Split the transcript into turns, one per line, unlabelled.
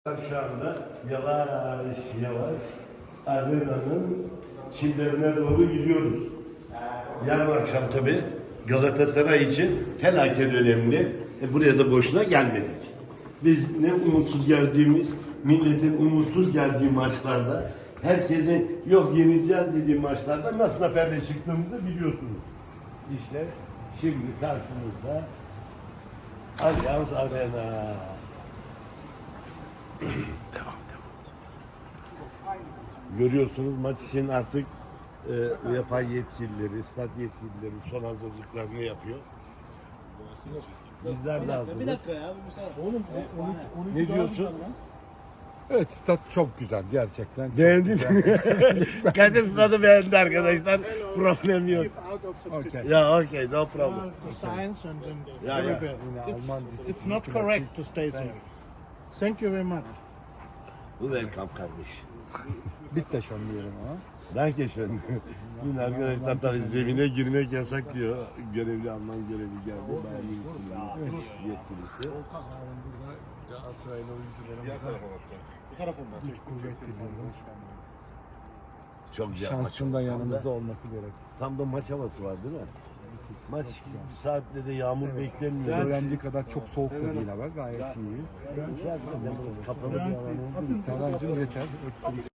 Şu anda yavaş yavaş arenanın çimlerine doğru gidiyoruz. Yarın akşam tabii Galatasaray için felaket önemli. Buraya da boşuna gelmedik. Biz ne umutsuz geldiğimiz, milletin umutsuz geldiği maçlarda, herkesin yok yenileceğiz dediği maçlarda nasıl zaferle çıktığımızı biliyorsunuz. İşte şimdi karşınızda Allianz Arena. Görüyorsunuz maç için artık UEFA yetkilileri, stat yetkilileri son hazırlıklarını yapıyor. Bizler de hazırız.
Bir dakika ya. Bir müsaade. Oğlum
Ne diyorsun?
Evet, stat çok güzel gerçekten. Çok
Beğendin
güzel.
mi? Kadir stadı beğendi arkadaşlar. Problem yok.
Okay.
Ya okay, no problem.
Science and
Yeah, yeah.
every bit.
Alman
It's not correct to stay there. Thank you very much.
Welcome kardeş.
Bitte schon diyelim ama.
Danke schön. Dün arkadaşlar tabii zemine girmek yasak diyor. Görevli Alman görevi geldi. Bayern yetkilisi.
Galatasaraylı oyuncularımıza güç kuvvet diliyorum.
Çok güzel
Şansın da
maç.
yanımızda olması gerek.
Tam da maç havası var değil mi? Maç bir saatte de yağmur beklenmiyor.
Söylendiği kadar çok soğuk da değil ama gayet iyi.
Kapalı bir alan olduğu için.
Serhan'cığım yeter.